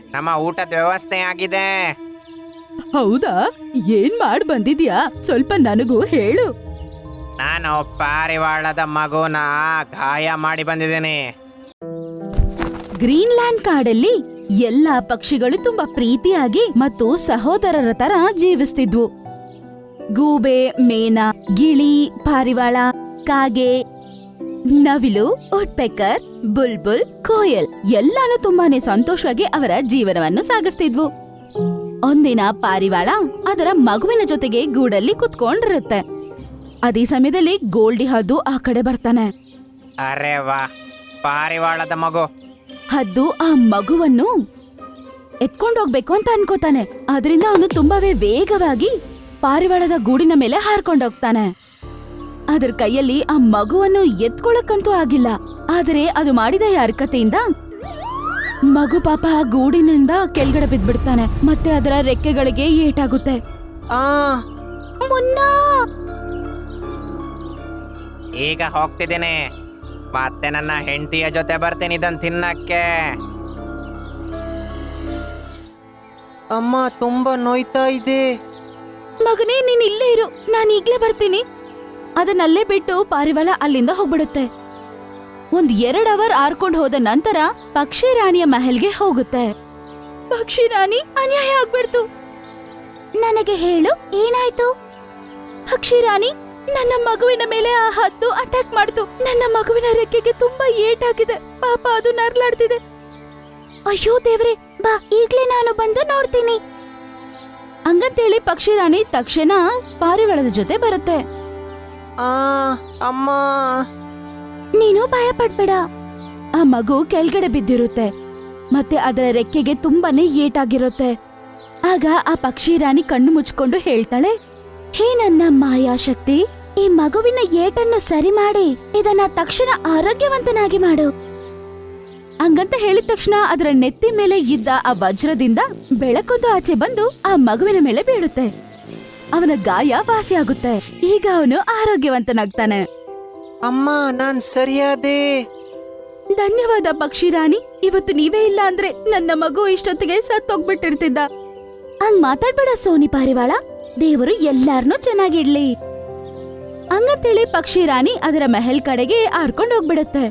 ನಮ್ಮ ಊಟದ ವ್ಯವಸ್ಥೆ ಆಗಿದೆ. ಹೌದಾ? ಏನ್ ಮಾಡ್ ಬಂದಿದ್ಯಾ? ಸ್ವಲ್ಪ ನನಗೂ ಹೇಳು. ನಾನು ಪಾರಿವಾಳದ ಮಗುನ ಗಾಯ ಮಾಡಿ ಬಂದಿದ್ದೀನಿ. ಗ್ರೀನ್ಲ್ಯಾಂಡ್ ಕಾಡಲ್ಲಿ ಎಲ್ಲಾ ಪಕ್ಷಿಗಳು ತುಂಬಾ ಪ್ರೀತಿಯಾಗಿ ಮತ್ತು ಸಹೋದರರ ತರ ಜೀವಿಸ್ತಿದ್ವು. ಗೂಬೆ, ಮೇನ, ಗಿಳಿ, ಪಾರಿವಾಳ, ಕಾಗೆ, ನವಿಲು, ಉಡ್ಪೆಕರ್, ಬುಲ್ಬುಲ್, ಕೋಯಲ್ ಎಲ್ಲಾನು ತುಂಬಾನೇ ಸಂತೋಷವಾಗಿ ಅವರ ಜೀವನವನ್ನು ಸಾಗಿಸ್ತಿದ್ವು. ಒಂದಿನ ಪಾರಿವಾಳ ಅದರ ಮಗುವಿನ ಜೊತೆಗೆ ಗೂಡಲ್ಲಿ ಕುತ್ಕೊಂಡಿರುತ್ತೆ. ಅದೇ ಸಮಯದಲ್ಲಿ ಗೋಲ್ಡಿ ಹದ್ದು ಆ ಕಡೆ ಬರ್ತಾನೆ. ಅರೆ ವಾ, ಪಾರಿವಾಳದ ಮಗು. ಹದ್ದು ಆ ಮಗುವನ್ನು ಎತ್ಕೊಂಡೋಗ್ಬೇಕು ಅಂತ ಅನ್ಕೋತಾನೆ. ಅದರಿಂದ ಅವನು ತುಂಬಾವೇ ವೇಗವಾಗಿ ಪಾರಿವಾಳದ ಗೂಡಿನ ಮೇಲೆ ಹಾರ್ಕೊಂಡೋಗ್ತಾನೆ. ಅದರ ಕೈಯಲ್ಲಿ ಆ ಮಗುವನ್ನು ಎತ್ಕೊಳಕ್ಕಂತೂ ಆಗಿಲ್ಲ. ಆದರೆ ಅದು ಮಾಡಿದ ಈ ಹರಕತೆಯಿಂದ ಮಗು ಪಾಪ ಆ ಗೂಡಿನಿಂದ ಕೆಳಗಡೆ ಬಿದ್ಬಿಡ್ತಾನೆ. ಮತ್ತೆ ಅದರ ರೆಕ್ಕೆಗಳಿಗೆ ಏಟಾಗುತ್ತೆ. ಆ ಮುನ್ನಾ! ಈಗ ಹೋಗ್ತಿದ್ದೀನಿ. ಮತ್ತೆ ನನ್ನ ಹೆಂಡತಿಯ ಜೊತೆ ಬರ್ತೀನಿ ಇದನ್ನ ತಿನ್ನಕ್ಕೆ. ಅಮ್ಮ ತುಂಬಾ ನೋಯ್ತಾ ಇದೆ. ಮಗನೇ, ನೀನ್ ಇಲ್ಲೇ ಇರು, ನಾನು ಈಗ್ಲೇ ಬರ್ತೀನಿ. ಅದನ್ನಲ್ಲೇ ಬಿಟ್ಟು ಪಾರಿವಾಳ ಅಲ್ಲಿಂದ ಹೋಗ್ಬಿಡುತ್ತೆ. 1-2 ಅವರ್ ಆರ್ಕೊಂಡ್ ಹೋದ ನಂತರ ಪಕ್ಷಿ ರಾಣಿಯ ಮಹಲ್ಗೆ ಹೋಗುತ್ತೆ. ಪಕ್ಷಿ ರಾಣಿ, ಅನ್ಯಾಯ ಆಗ್ಬಿಡ್ತು. ನನಗೆ ಹೇಳು, ಏನಾಯ್ತು? ಪಕ್ಷಿ ರಾಣಿ, ನನ್ನ ಮಗುವಿನ ಮೇಲೆ ಆ ಹದ್ದು ಅಟ್ಯಾಕ್ ಮಾಡ್ತು. ನನ್ನ ಮಗುವಿನ ರೆಕ್ಕೆಗೆ ತುಂಬಾ ಏಟಾಗಿದೆ. ಪಾಪ ಅದು ನರ್ಲಾಡ್ತಿದೆ. ಅಯ್ಯೋ ದೇವ್ರೆ, ಬಾ, ಈಗ್ಲೇ ನಾನು ಬಂದು ನೋಡ್ತೀನಿ. ಹಂಗಂತೇಳಿ ಪಕ್ಷಿ ರಾಣಿ ತಕ್ಷಣ ಪಾರಿವಾಳದ ಜೊತೆ ಬರುತ್ತೆ. ಅಮ್ಮ, ನೀನು ಭಯ ಪಡ್ಬೇಡ. ಆ ಮಗು ಕೆಳಗಡೆ ಬಿದ್ದಿರುತ್ತೆ ಮತ್ತೆ ಅದರ ರೆಕ್ಕೆಗೆ ತುಂಬಾನೇ ಏಟಾಗಿರುತ್ತೆ. ಆಗ ಆ ಪಕ್ಷಿ ರಾಣಿ ಕಣ್ಣು ಮುಚ್ಕೊಂಡು ಹೇಳ್ತಾಳೆ, ಹೇ ನನ್ನ ಮಾಯಾಶಕ್ತಿ, ಈ ಮಗುವಿನ ಏಟನ್ನು ಸರಿ ಮಾಡಿ ಇದನ್ನ ತಕ್ಷಣ ಆರೋಗ್ಯವಂತನಾಗಿ ಮಾಡು. ಹಂಗಂತ ಹೇಳಿದ ತಕ್ಷಣ ಅದರ ನೆತ್ತಿ ಮೇಲೆ ಇದ್ದ ಆ ವಜ್ರದಿಂದ ಬೆಳಕೊಂದು ಆಚೆ ಬಂದು ಆ ಮಗುವಿನ ಮೇಲೆ ಬೀಳುತ್ತೆ. ಅವನ ಗಾಯ ವಾಸಿಯಾಗುತ್ತೆ. ಈಗ ಅವನು ಆರೋಗ್ಯವಂತನಾಗ್ತಾನೆ. ಅಮ್ಮ, ನಾನ್ ಸರಿಯಾದೆ. ಧನ್ಯವಾದ ಪಕ್ಷಿ ರಾಣಿ. ಇವತ್ತು ನೀವೇ ಇಲ್ಲ ಅಂದ್ರೆ ನನ್ನ ಮಗು ಇಷ್ಟೊತ್ತಿಗೆ ಸತ್ತೋಗ್ಬಿಟ್ಟಿರ್ತಿದ್ದ. ಹಂಗ್ ಮಾತಾಡ್ಬೇಡ ಸೋನಿ ಪಾರಿವಾಳ. ದೇವರು ಎಲ್ಲಾರ್ನೂ ಚೆನ್ನಾಗಿಡ್ಲಿ. ಹಂಗಂತೇಳಿ ಪಕ್ಷಿ ರಾಣಿ ಅದರ ಮೆಹಲ್ ಕಡೆಗೆ ಹಾರ್ಕೊಂಡು ಹೋಗ್ಬಿಡುತ್ತೆ.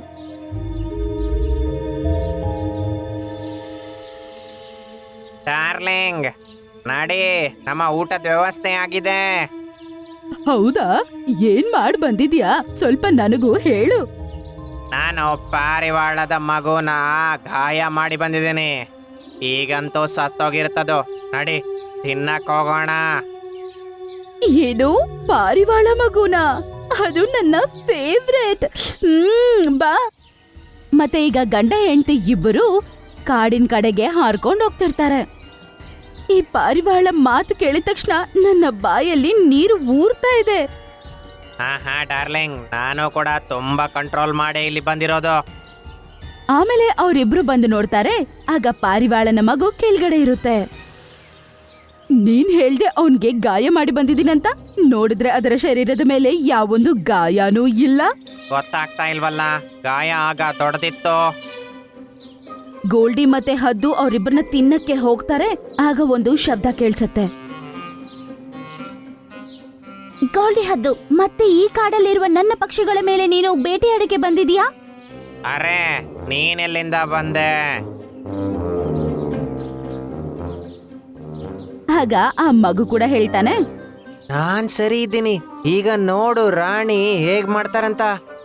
ಡಾರ್ಲಿಂಗ್, ನಡಿ, ನಮ್ಮ ಊಟದ ವ್ಯವಸ್ಥೆ ಆಗಿದೆ. ಹೌದಾ? ಏನ್ ಮಾಡ್ ಬಂದಿದ್ಯಾ? ಸ್ವಲ್ಪ ನನಗೂ ಹೇಳು. ನಾನು ಪಾರಿವಾಳದ ಮಗುನ ಗಾಯ ಮಾಡಿ ಬಂದಿದ್ದೀನಿ. ಈಗಂತೂ ಸತ್ತೋಗಿರ್ತದು. ನಡಿ, ತಿನ್ನಕ್ ಹೋಗೋಣ. ಏನು, ಪಾರಿವಾಳ ಮಗುನ? ಅದು ನನ್ನ ಫೇವ್ರೇಟ್. ಬಾ. ಮತ್ತೆ ಈಗ ಗಂಡ ಹೆಂಡತಿ ಇಬ್ಬರು ಕಾಡಿನ ಕಡೆಗೆ ಹಾರ್ಕೊಂಡು ಹೋಗ್ತಿರ್ತಾರೆ. ಈ ಪಾರಿವಾಳ ಮಾತು ಕೇಳಿದ ತಕ್ಷಣ ನನ್ನ ಬಾಯಲ್ಲಿ ನೀರು ಊರ್ತಾ ಇದೆ. ಹಾ ಡಾರ್ಲಿಂಗ್, ನಾನು ಕೂಡ ತುಂಬಾ ಕಂಟ್ರೋಲ್ ಮಾಡಿ ಇಲ್ಲಿ ಬಂದಿರೋದು. ಆಮೇಲೆ ಅವರಿಬ್ರು ಬಂದು ನೋಡ್ತಾರೆ. ಆಗ ಪಾರಿವಾಳನ ಮಗು ಕೆಳಗಡೆ ಇರುತ್ತೆ. ನೀನ್ ಹೇಳ್ದೆ ಅವನ್ಗೆ ಗಾಯ ಮಾಡಿ ಬಂದಿದ್ದೀನಂತ. ನೋಡಿದ್ರೆ ಅದರ ಶರೀರದ ಮೇಲೆ ಯಾವೊಂದು ಗಾಯನೂ ಇಲ್ಲ. ಗೊತ್ತಾಗ್ತಾ ಇಲ್ವಲ್ಲ, ಗಾಯ ಆಗ ದೊಡ್ಡದಿತ್ತು. ಗೋಲ್ಡಿ ಮತ್ತೆ ಹದ್ದು ಅವರಿಬ್ಬರನ್ನ ತಿನ್ನಕ್ಕೆ ಹೋಗ್ತಾರೆ. ಆಗ ಒಂದು ಶಬ್ದ ಕೇಳಿಸುತ್ತೆ. ಗೋಲ್ಡಿ, ಹದ್ದು, ಮತ್ತೆ ಈ ಕಾಡಲ್ಲಿರುವ ನನ್ನ ಪಕ್ಷಿಗಳ ಮೇಲೆ ನೀನು ಬೇಟೆಯಾಡಕ್ಕೆ ಬಂದಿದೀಯಾ? ಅರೆ, ನೀನೆಲ್ಲಿಂದ ಬಂದೆ? ಆಗ ಆ ಮಗು ಕೂಡ ಹೇಳ್ತಾನೆ, ನಾನ್ ಸರಿ ಇದ್ದೀನಿ. ಈಗ ನೋಡು ರಾಣಿ ಹೇಗ್ ಮಾಡ್ತಾರಂತ.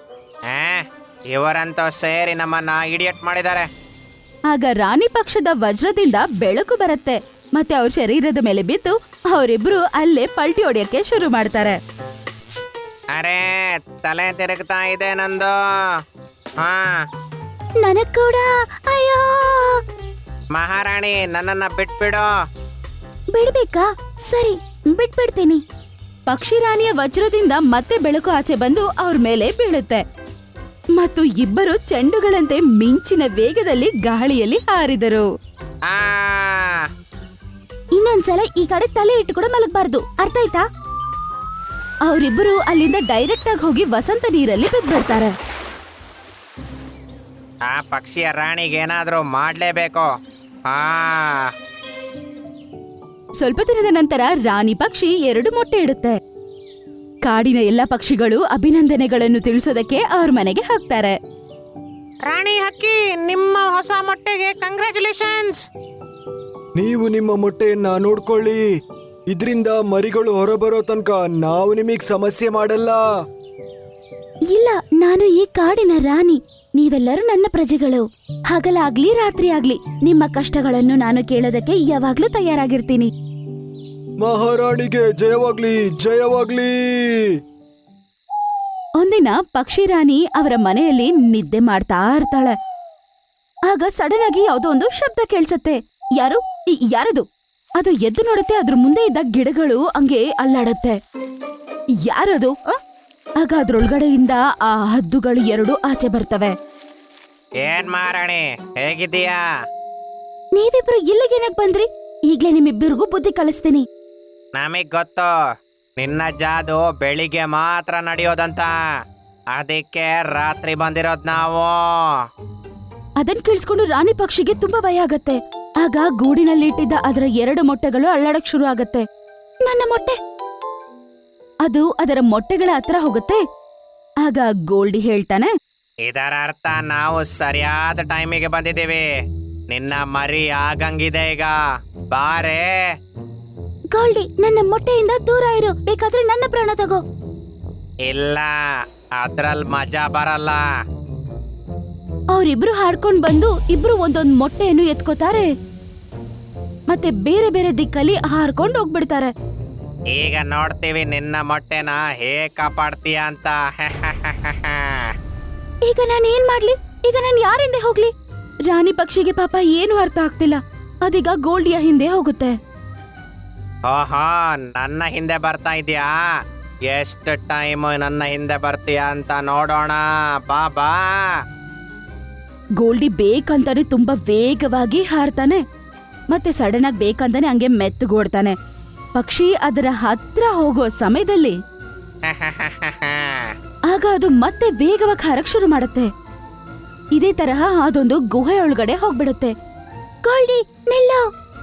ಇವರಂತೂ ಸೇರಿ ನಮ್ಮನ್ನ ಇಡಿಯಟ್ ಮಾಡಿದ್ದಾರೆ. ಆಗ ರಾಣಿ ಪಕ್ಷದ ವಜ್ರದಿಂದ ಬೆಳಕು ಬರುತ್ತೆ ಮತ್ತೆ ಅವ್ರ ಶರೀರದ ಮೇಲೆ ಬಿದ್ದು ಅವರಿಬ್ರು ಅಲ್ಲೇ ಪಲ್ಟಿ ಹೊಡೆಯಕ್ಕೆ ಶುರು ಮಾಡ್ತಾರೆ. ಅರೆ, ತಲೆ ತಿರುಗ್ತಾ ಇದೆ ನಂದು. ಹಾ, ನನಗ್ ಕೂಡ. ಅಯ್ಯೋ, ಮಹಾರಾಣಿ, ನನ್ನನ್ನ ಬಿಟ್ಬಿಡು. ಬಿಡ್ಬೇಕಾ? ಸರಿ, ಬಿಟ್ಬಿಡ್ತೀನಿ. ಪಕ್ಷಿ ರಾಣಿಯ ವಜ್ರದಿಂದ ಮತ್ತೆ ಬೆಳಕು ಆಚೆ ಬಂದು ಅವ್ರ ಮೇಲೆ ಬೀಳುತ್ತೆ ಮತ್ತು ಇಬ್ಬರು ಚೆಂಡುಗಳಂತೆ ಮಿಂಚಿನ ವೇಗದಲ್ಲಿ ಗಾಳಿಯಲ್ಲಿ ಹಾರಿದರು. ಆ ಇನ್ನೊಂದ್ಸಲ ಈ ಕಡೆ ತಲೆ ಇಟ್ಟು ಕೂಡ ಮಲಗಬಾರ್ದು, ಅರ್ಥ ಆಯ್ತಾ? ಅವರಿಬ್ಬರು ಅಲ್ಲಿಂದ ಡೈರೆಕ್ಟ್ ಆಗಿ ಹೋಗಿ ವಸಂತ ನೀರಲ್ಲಿ ಬಿದ್ಬಿಡ್ತಾರೆ. ಆ ಪಕ್ಷಿಯ ರಾಣಿಗೆ ಏನಾದ್ರೂ ಮಾಡ್ಲೇಬೇಕು. ಹಾ. ಸ್ವಲ್ಪ ದಿನದ ನಂತರ ರಾಣಿ ಪಕ್ಷಿ 2 ಮೊಟ್ಟೆ ಇಡುತ್ತೆ. ಕಾಡಿನ ಎಲ್ಲ ಪಕ್ಷಿಗಳು ಅಭಿನಂದನೆಗಳನ್ನು ತಿಳಿಸೋದಕ್ಕೆ ಅವ್ರ ಮನೆಗೆ ಹೋಗ್ತಾರೆ. ರಾಣಿ ಹಕ್ಕಿ, ನಿಮ್ಮ ಹೊಸ ಮೊಟ್ಟೆಗೆ ಕಂಗ್ರ್ಯಾಚುಲೇಷನ್ಸ್. ನೀವು ನಿಮ್ಮ ಮೊಟ್ಟೆಯನ್ನ ನೋಡ್ಕೊಳ್ಳಿ. ಇದ್ರಿಂದ ಮರಿಗಳು ಹೊರಬರೋ ತನಕ ನಾವು ನಿಮಗ್ ಸಮಸ್ಯೆ ಮಾಡಲ್ಲ. ಇಲ್ಲ, ನಾನು ಈ ಕಾಡಿನ ರಾಣಿ. ನೀವೆಲ್ಲರೂ ನನ್ನ ಪ್ರಜೆಗಳು. ಹಗಲಾಗ್ಲಿ ರಾತ್ರಿ ಆಗ್ಲಿ ನಿಮ್ಮ ಕಷ್ಟಗಳನ್ನು ನಾನು ಕೇಳೋದಕ್ಕೆ ಯಾವಾಗ್ಲೂ ತಯಾರಾಗಿರ್ತೀನಿ. ಮಹಾರಾಣಿಗೆ ಜಯವಾಗ್ಲಿ, ಜಯವಾಗ್ಲಿ. ಒಂದಿನ ಪಕ್ಷಿ ರಾಣಿ ಅವರ ಮನೆಯಲ್ಲಿ ನಿದ್ದೆ ಮಾಡ್ತಾ ಇರ್ತಾಳೆ. ಆಗ ಸಡನ್ ಆಗಿ ಯಾವುದೋ ಒಂದು ಶಬ್ದ ಕೇಳಿಸತ್ತೆ. ಯಾರದು? ಅದು ಎದ್ದು ನೋಡುತ್ತೆ. ಅದ್ರ ಮುಂದೆ ಇದ್ದ ಗಿಡಗಳು ಹಂಗೆ ಅಲ್ಲಾಡುತ್ತೆ. ಯಾರದು? ಆಗ ಅದ್ರೊಳಗಡೆಯಿಂದ ಆ ಹದ್ದುಗಳು 2 ಆಚೆ ಬರ್ತವೆ. ಏನ್ ಮಹಾರಾಣಿ, ಹೇಗಿದ್ದೀಯಾ? ನೀವಿಬ್ರು ಇಲ್ಲಿಗೇನಕ್ ಬಂದ್ರಿ? ಈಗ್ಲೇ ನಿಮ್ಮಿಬ್ಬರಿಗೂ ಬುದ್ಧಿ ಕಲಿಸ್ತೀನಿ. ನಮಗ್ ಗೊತ್ತು, ನಿನ್ನ ಜಾದು ಬೆಳಿಗ್ಗೆ ಮಾತ್ರ ನಡೆಯೋದಂತ. ಅದಕ್ಕೆ ರಾತ್ರಿ ಬಂದಿರೋದ್ ನಾವು. ಅದನ್ ಕೇಳಿಸ್ಕೊಂಡು ರಾಣಿ ಪಕ್ಷಿಗೆ ತುಂಬಾ ಭಯ ಆಗತ್ತೆ. ಆಗ ಗೂಡಿನಲ್ಲಿ ಇಟ್ಟಿದ್ದ ಅದರ 2 ಮೊಟ್ಟೆಗಳು ಅಳ್ಳಾಡಕ್ ಶುರು ಆಗತ್ತೆ. ನನ್ನ ಮೊಟ್ಟೆ! ಅದು ಅದರ ಮೊಟ್ಟೆಗಳ ಹತ್ರ ಹೋಗುತ್ತೆ. ಆಗ ಗೋಲ್ಡಿ ಹೇಳ್ತಾನೆ, ಇದರ ಅರ್ಥ ನಾವು ಸರಿಯಾದ ಟೈಮಿಗೆ ಬಂದಿದ್ದೀವಿ. ನಿನ್ನ ಮರಿ ಆಗಂಗಿದೆ ಈಗ. ಬಾರೆ. ಗೋಲ್ಡಿ, ನನ್ನ ಮೊಟ್ಟೆಯಿಂದ ದೂರ ಇರು. ಬೇಕಾದ್ರೆ ನನ್ನ ಪ್ರಾಣ ತಗೋ. ಇಲ್ಲ, ಅದ್ರಲ್ ಮಜಾ ಬರಲ್ಲ. ಅವರಿಬ್ರು ಹಾಡ್ಕೊಂಡ್ ಬಂದು ಇಬ್ರು ಒಂದೊಂದ್ ಮೊಟ್ಟೆಯನ್ನು ಎತ್ಕೋತಾರೆ. ಮತ್ತೆ ಬೇರೆ ಬೇರೆ ದಿಕ್ಕಲ್ಲಿ ಹಾರ್ಕೊಂಡು ಹೋಗ್ಬಿಡ್ತಾರೆ. ಈಗ ನೋಡ್ತೀವಿ ನಿನ್ನ ಮೊಟ್ಟೆನ ಹೇಗ್ ಕಾಪಾಡ್ತೀಯ ಅಂತ. ಈಗ ನಾನು ಏನ್ ಮಾಡ್ಲಿ? ಈಗ ನಾನು ಯಾರಿಂದೆ ಹೋಗ್ಲಿ? ರಾಣಿ ಪಕ್ಷಿಗೆ ಪಾಪ ಏನು ಅರ್ಥ ಆಗ್ತಿಲ್ಲ. ಅದೀಗ ಗೋಲ್ಡಿಯ ಹಿಂದೆ ಹೋಗುತ್ತೆ. ಓಹೋ, ನನ್ನ ಹಿಂದೆ ಬರ್ತಾ ಇದೀಯಾ? ಎಷ್ಟು ಟೈಮ್ ನನ್ನ ಹಿಂದೆ ಬರ್ತೀಯ ಅಂತ ನೋಡೋಣ. ಬಾ ಬಾ. ಗೋಲ್ಡಿ ಬೇಕಂತಾನೆ ತುಂಬಾ ವೇಗವಾಗಿ ಹಾರ್ತಾನೆ. ಮತ್ತೆ ಸಡನ್ ಆಗಿ ಬೇಕಂತಾನೆ ಹಂಗೆ ಮೆತ್ತಗೋಡ್ತಾನೆ. ಪಕ್ಷಿ ಅದರ ಹತ್ರ ಹೋಗೋ ಸಮಯದಲ್ಲಿ ಆಗ ಅದು ಮತ್ತೆ ವೇಗವಾಗಿ ಹಾರಕ್ ಶುರು ಮಾಡುತ್ತೆ. ಇದೇ ತರಹ ಅದೊಂದು ಗುಹೆ ಒಳಗಡೆ ಹೋಗ್ಬಿಡುತ್ತೆ. ಗೋಲ್ಡಿ, ನಿಲ್ಲು!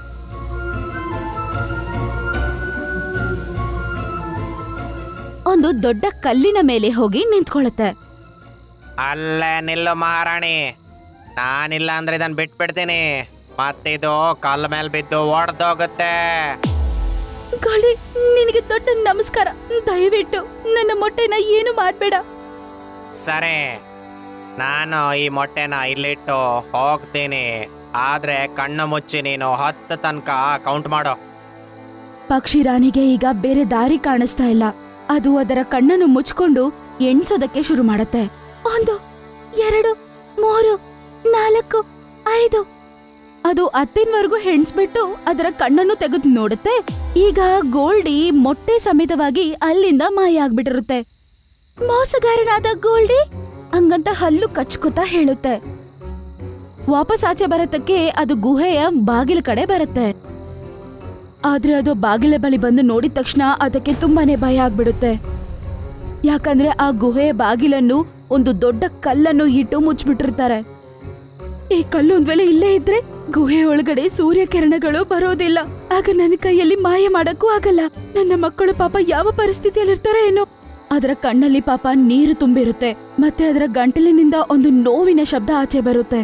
ಒಂದು ದೊಡ್ಡ ಕಲ್ಲಿನ ಮೇಲೆ ಹೋಗಿ ನಿಂತ್ಕೊಳ್ಳುತ್ತೆ. ಅಲ್ಲೇ ನಿಲ್ಲು ಮಹಾರಾಣಿ. ನಾನಿಲ್ಲ ಅಂದ್ರೆ ಇದನ್ನ ಬಿಟ್ಬಿಡ್ತೀನಿ. ಮತ್ತಿದು ಕಲ್ಲ ಮೇಲೆ ಬಿದ್ದು ಒಡೆದೋಗುತ್ತೆ. ಗೋಲ್ಡಿ, ನಿನಗೆ ದೊಡ್ಡ ನಮಸ್ಕಾರ. ದಯವಿಟ್ಟು ನನ್ನ ಮೊಟ್ಟೆನ ಏನು ಮಾಡ್ಬೇಡ. ಸರಿ, ನಾನು ಈ ಮೊಟ್ಟೆನ ಇಲ್ಲಿಟ್ಟು ಹೋಗ್ತೀನಿ. ಆದ್ರೆ ಕಣ್ಣು ಮುಚ್ಚಿ ನೀನು 10 ತನಕ ಕೌಂಟ್ ಮಾಡೋ. ಪಕ್ಷಿ ರಾಣಿಗೆ ಈಗ ಬೇರೆ ದಾರಿ ಕಾಣಿಸ್ತಾ ಇಲ್ಲ. ಅದು ಅದರ ಕಣ್ಣನ್ನು ಮುಚ್ಕೊಂಡು ಎಣ್ಸೋದಕ್ಕೆ ಶುರು ಮಾಡುತ್ತೆ. 1, 2, 3, 4, 5. ಅದು 10ವರೆಗೂ ಹೆಣ್ಸ್ಬಿಟ್ಟು ಅದರ ಕಣ್ಣನ್ನು ತೆಗೆದು ನೋಡುತ್ತೆ. ಈಗ ಗೋಲ್ಡಿ ಮೊಟ್ಟೆ ಸಮೇತವಾಗಿ ಅಲ್ಲಿಂದ ಮಾಯ ಆಗ್ಬಿಟ್ಟಿರುತ್ತೆ. ಮೋಸಗಾರನಾದ ಗೋಲ್ಡಿ ಹಂಗಂತ ಹಲ್ಲು ಕಚ್ಕೋತಾ ಹೇಳುತ್ತೆ. ವಾಪಸ್ ಆಚೆ ಬರತ್ತಕ್ಕೆ ಅದು ಗುಹೆಯ ಬಾಗಿಲ ಕಡೆ ಬರುತ್ತೆ. ಆದ್ರೆ ಅದು ಬಾಗಿಲ ಬಳಿ ಬಂದು ನೋಡಿದ ತಕ್ಷಣ ಅದಕ್ಕೆ ತುಂಬಾನೇ ಭಯ ಆಗ್ಬಿಡುತ್ತೆ. ಯಾಕಂದ್ರೆ ಆ ಗುಹೆಯ ಬಾಗಿಲನ್ನು ಒಂದು ದೊಡ್ಡ ಕಲ್ಲನ್ನು ಇಟ್ಟು ಮುಚ್ಚಿಬಿಟ್ಟಿರ್ತಾರೆ. ಈ ಕಲ್ಲು ಒಂದ್ ವೇಳೆ ಇಲ್ಲೇ ಇದ್ರೆ ಗುಹೆ ಒಳಗಡೆ ಸೂರ್ಯ ಕಿರಣಗಳು ಬರೋದಿಲ್ಲ. ಆಗ ನನ್ನ ಕೈಯಲ್ಲಿ ಮಾಯ ಮಾಡಕ್ಕೂ ಆಗಲ್ಲ. ನನ್ನ ಮಕ್ಕಳು ಪಾಪ ಯಾವ ಪರಿಸ್ಥಿತಿಯಲ್ಲಿರ್ತಾರೋ ಏನೋ. ಅದರ ಕಣ್ಣಲ್ಲಿ ಪಾಪ ನೀರು ತುಂಬಿರುತ್ತೆ. ಮತ್ತೆ ಅದರ ಗಂಟಲಿನಿಂದ ಒಂದು ನೋವಿನ ಶಬ್ದ ಆಚೆ ಬರುತ್ತೆ.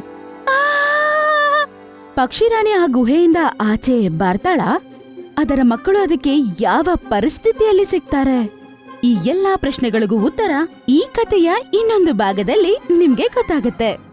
ಪಕ್ಷಿ ರಾಣಿ ಆ ಗುಹೆಯಿಂದ ಆಚೆ ಬರ್ತಾಳ. ಅದರ ಮಕ್ಕಳು ಅದಕ್ಕೆ ಯಾವ ಪರಿಸ್ಥಿತಿಯಲ್ಲಿ ಸಿಗ್ತಾರೆ? ಈ ಎಲ್ಲಾ ಪ್ರಶ್ನೆಗಳಿಗೂ ಉತ್ತರ ಈ ಕಥೆಯ ಇನ್ನೊಂದು ಭಾಗದಲ್ಲಿ ನಿಮ್ಗೆ ಗೊತ್ತಾಗುತ್ತೆ.